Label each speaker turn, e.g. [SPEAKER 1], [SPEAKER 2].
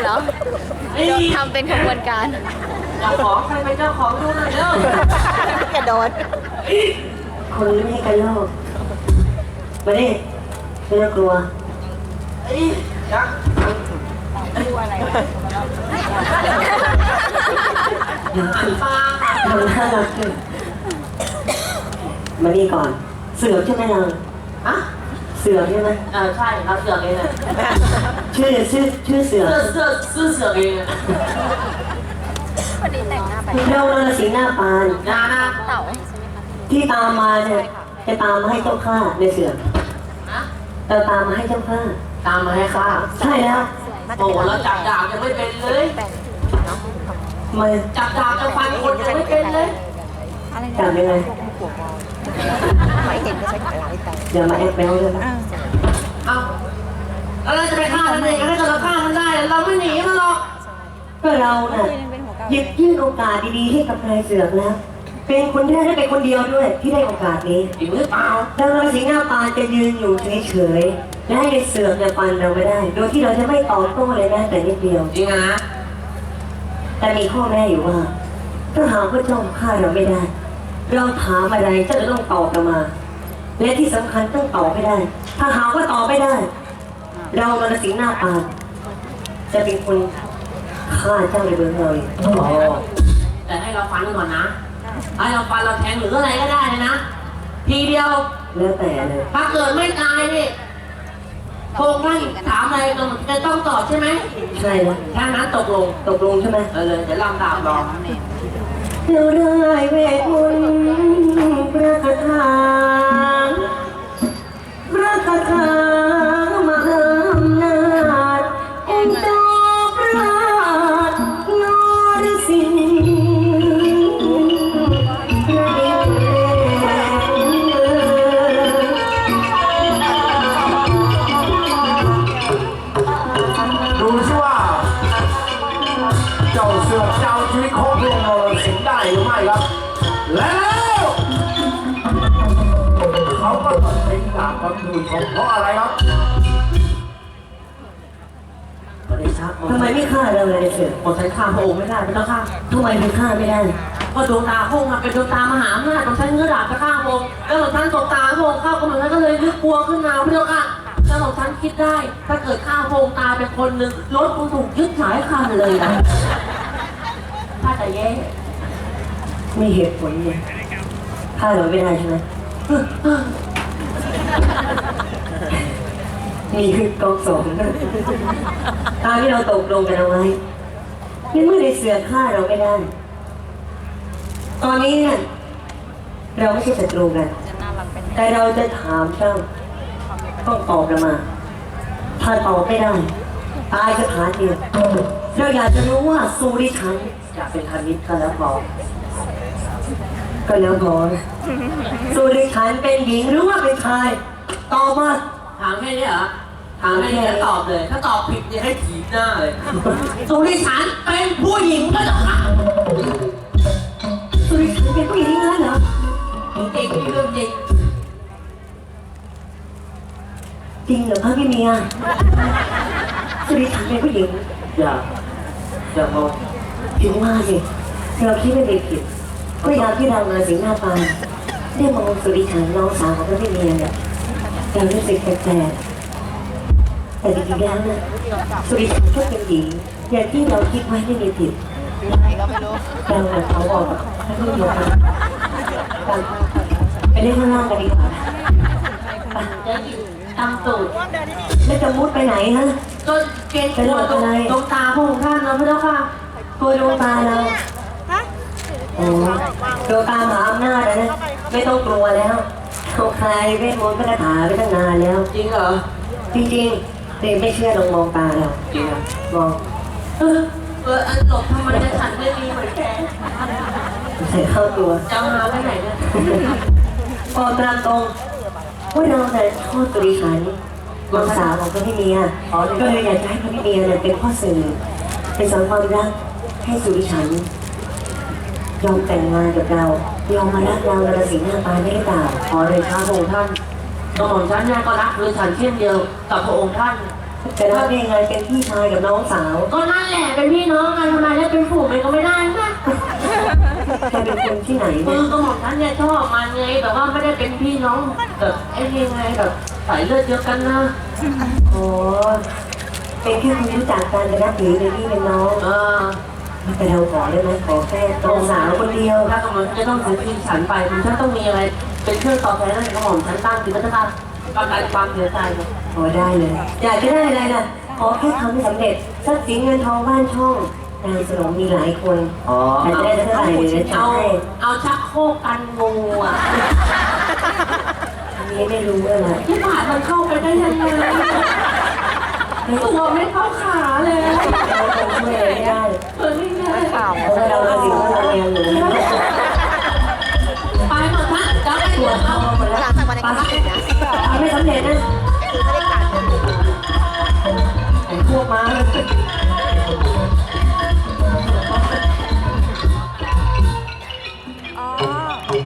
[SPEAKER 1] เหรอทำเป็นขบวนการ
[SPEAKER 2] เจ้าของใครเป็นเจ้าของดูหน่อยเร็ว
[SPEAKER 1] กระโดด
[SPEAKER 3] คนไม่ให้กันโลกมาดิไม่ต้องกลัว
[SPEAKER 2] เอ้ยยักษ์
[SPEAKER 3] เดี๋ยว
[SPEAKER 2] หันมา
[SPEAKER 3] ทำหน้ารักขึ้นมานี่ก่อน เสือกใช่ไหมเรา
[SPEAKER 2] ฮะ
[SPEAKER 3] เสือกใช่ไหม
[SPEAKER 2] ใช่เราเสือกเองเลย
[SPEAKER 3] ชื่อเสือก
[SPEAKER 2] เสือกเอง
[SPEAKER 1] วันนี้แต่งหน้าไป
[SPEAKER 3] เรานรสิงห์หน้าปาน
[SPEAKER 2] นะ
[SPEAKER 1] เต่า
[SPEAKER 3] ที่ตามมาเนี่ยจะตามมาให้เจ้าข้าในเสือก
[SPEAKER 2] ฮะ
[SPEAKER 3] เราตามมาให้เจ้าข้า
[SPEAKER 2] ตามมาให้ข้า
[SPEAKER 3] ใช่แล้ว
[SPEAKER 2] โอ้โหเราจับดาบยังไม่เป็นเลย
[SPEAKER 3] มา
[SPEAKER 2] จับดาบจะฟันคนยังไม่เป็นเลย
[SPEAKER 3] จับยังไง
[SPEAKER 1] ไม่เห็นก็ใช้กระไรแต่ง
[SPEAKER 3] เดี๋ยวมาแอบแบลเลยนะ
[SPEAKER 2] เอาแล้วเราจะไปฆ่ามันเองถ้าเกิดเราฆ่ามันได้เราไม่หนีมันหรอก
[SPEAKER 3] ก็เราน่ะหยิบยื่นโอกาสดีๆให้กับนายเสือกแล้ว เป็นคนแรกและเป็นคนเดียวด้วยที่ได้โอกาสนี้
[SPEAKER 2] จริงหรือเปล่า
[SPEAKER 3] แล้วนรสิงห์หน้าปานจะยืนอยู่เฉยๆและให้ในเสือกเนี่ยฟันเราไม่ได้ โดยที่เราจะไม่ตอบโต้เลยแม้แต่นิดเดียว
[SPEAKER 2] จริงอะนะ
[SPEAKER 3] แต่มีข้อแม้อยู่ว่าถ้าหากว่าเจ้าฆ่าเราไม่ได้ เราถามอะไรเจ้าจะต้องตอบเรามา และที่สำคัญต้องตอบไม่ได้ ถ้าหากว่าตอบไม่ได้ เรานรสิงห์หน้าปานจะเป็นคนฆ่าเจ้าในเบื้องเราเอง
[SPEAKER 2] แต่ให้เราฟันก่อนนะให้เราฟันเราแทงหรืออะไรก็ได้เลยนะทีเดียว
[SPEAKER 3] แล้วแต่เลย
[SPEAKER 2] ถ้าเกิดไม่ตายนี่พงท่านถามอะไรจะต้องตอบใช่ไหม
[SPEAKER 3] ใช่แล้ว
[SPEAKER 2] ถ้านั้นตกลง
[SPEAKER 3] ตกลงใช่ไหม
[SPEAKER 2] เลยเดี๋ยวลำตามรอ
[SPEAKER 3] เราได้เวทมนต์พระคาถาพระคาถามหาอำนาจองค์เจ้าพระนรสิงห์
[SPEAKER 4] ดูสิว่าเจ้าเสือกเจ้าชีวิตของพวกเราสิงได้หรือไม่ครับ แล้วเขาก็ตัดสินดาบกับมือของเพราะอะไรครับ
[SPEAKER 2] ก็ได้ชัก
[SPEAKER 3] ทำไมไม่ฆ่าเราเลยเสือ
[SPEAKER 2] หมดใช้ฆ่าพระองค์ไม่ได้ไม่ต้องฆ่า
[SPEAKER 3] ทำไมถึงฆ่าไม่ได้
[SPEAKER 2] ก็ดวงตาพระองค์เป็นดวงตามหาอำนาจของฉันเงื้อดาบจะฆ่าพระองค์แล้วหลวงท่านตกตาพระองค์เข้าก็เหมือนกันก็เลยนึกกลัวขึ้นมาพี่เจ้าค่ะแล้วหลวงท่านคิดได้ ถ้าเกิดฆ่าพระองค์ตายเป็นคนหนึ่งรถคงถูกยึดหายคันเลยนะถ้าจะแย่
[SPEAKER 3] ไม่เหตุผลเลยฆ่าเราไม่ได้ใช่ไหมนี่คือกองสองตามที่เราตกลงกันเอาไว้ในเมื่อในเสือฆ่าเราไม่ได้ ตอนนี้เนี่ยเราไม่ใช่ศัตรูกัน แต่เราจะถามเจ้าต้องตอบเรามา ถ้าตอบไม่ได้ ตายสถานเดียวเราอยากจะรู้ว่าสุริชันอยากเป็นธนิตก็แล้วพอสุริชันเป็นหญิงหรือว่าเป็นชายตอบมา
[SPEAKER 2] ถามแค่นี้เหรอถามแค่นี้แล้วตอบเลย ถ้าตอบผิดเนี่ยให้ถีบหน้าเลยสุริฉันเป็นผู้หญิงก็จะฆ่า
[SPEAKER 3] สุริชันเป็นผู้หญิงงั้นเหรอ
[SPEAKER 2] จริงเรื่องจริง
[SPEAKER 3] จริงเหรอพระพี่เมียสุริชันเป็นผู้หญิง
[SPEAKER 2] อย่ามอง
[SPEAKER 3] ถึงว่าสิเราคิดไม่ได้ผิดก็ยามที่เรามาสิงหน้าปานได้มองสุริชันน้องสาวของพระพี่เมียเนี่ยเรารู้สึกแปลกๆแต่จริงๆแล้วนะสุริชันก็เป็นหญิงอย่างที่เราคิดไว้ไม่มีผิด
[SPEAKER 1] ไหนก็ไม่รู้
[SPEAKER 3] เราเขาบอกกับพระพี่เมียไปเล่นข้างล่างกันดีกว่า
[SPEAKER 2] จะหยิบตำตูด
[SPEAKER 3] แล้วจะมุดไปไหนฮะ
[SPEAKER 2] จนเกณฑ์ตัวตรงตาพระองค์ท่านนะพระเจ้าค่ะ
[SPEAKER 3] ตัวดวงตาเราโอ้ดวงตามหาอำนาจนะไม่ต้องกลัวแล้วเขาคลายเวทมนต์พระคาถาไปตั้งนานแล้ว
[SPEAKER 2] จริงเหรอ
[SPEAKER 3] จริงๆเด็กไม่เชื่อลองมองตาเรา
[SPEAKER 2] จริงอ่ะ
[SPEAKER 3] มอง
[SPEAKER 2] อันหลบทำไมจะฉันไม่มีเหมือนแก
[SPEAKER 3] ใส่เข้าตัว
[SPEAKER 2] จะหาไปไหนเนี่ย
[SPEAKER 3] พอตามตรงว่าเราเนี่ยชอบสุริชันน้องสาวของพระพี่เมียก็เลยอยากจะให้พระพี่เมียเนี่ยเป็นพ่อสื่อเป็นสอนความรักให้สุริชันยอมแต่งงานกับเรายอมมารักเรานรสิงห์หน้าปานได้หรือเปล่า
[SPEAKER 2] ขอเลยครับพระองค์ท่านกระหม่อมฉันเนี่ยก็รักคือฉันเช่นเดียวกับพระองค์ท่าน
[SPEAKER 3] จะรับได้ยังไงเป็นพี่ชายกับน้องสาว
[SPEAKER 2] ก็นั่นแหละเป็นพี่น้องกันทำไมได้เป็นฝูงมันก็ไม่ได้นะ
[SPEAKER 3] แกเป็นคนที่ไหน
[SPEAKER 2] คื
[SPEAKER 3] เนี่
[SPEAKER 2] อย ก็หม่อมฉันเนี่ยชอบมันไงแต่ว่าไม่ได้เป็นพี่น้องแบบไอ้ยังไงแบบสายเลือดเดียวกันนะ
[SPEAKER 3] อ๋อเป็นแค่คนรู้จักกันแต่นับถือเป็นพี่เป็นน้อง แต่เราขอได้ไหมขอแค่น้องสาวคนเดียว
[SPEAKER 2] ถ้ากำลังจะต้องซื้อที่ฉันไปผมฉันต้องมีอะไรเป็นเครื่องตอบแทนให้กระหม่อมฉันตั้งคือมันจะการประกันความเสียใจเนี่ย
[SPEAKER 3] ขอได้เลย อยากจะได้อะไรนะขอแค่ทำให้สำเร็จทรัพย์สินเงินทองบ้านช่องนางสนมมีหลายคน
[SPEAKER 2] อ๋อ
[SPEAKER 3] แต่จะได้เท่าไหร่เดี๋ยวจะ
[SPEAKER 2] เอา
[SPEAKER 3] ให้
[SPEAKER 2] เอาชักโครกกันงูอ่ะ
[SPEAKER 3] อันนี้ไม่รู้เลย
[SPEAKER 2] ที่ผ่านมันเข้าไปได้ยังไงตัวไม่เข้าขาเลย
[SPEAKER 3] เราคงช่วยอะไรไม่ได้
[SPEAKER 2] เปิดไม่ได้
[SPEAKER 1] ข่าว
[SPEAKER 3] เพราะว่าเราเป็นสิ่งที่เราเรียนอยู่
[SPEAKER 2] ไปหมดนะจะไปหัวเขา
[SPEAKER 1] หลังจากวันนี้ก็ติดนะ
[SPEAKER 3] ทำไม่สำเร็จนะ
[SPEAKER 1] คือไม่ได้การ
[SPEAKER 3] ไอ้พวกมา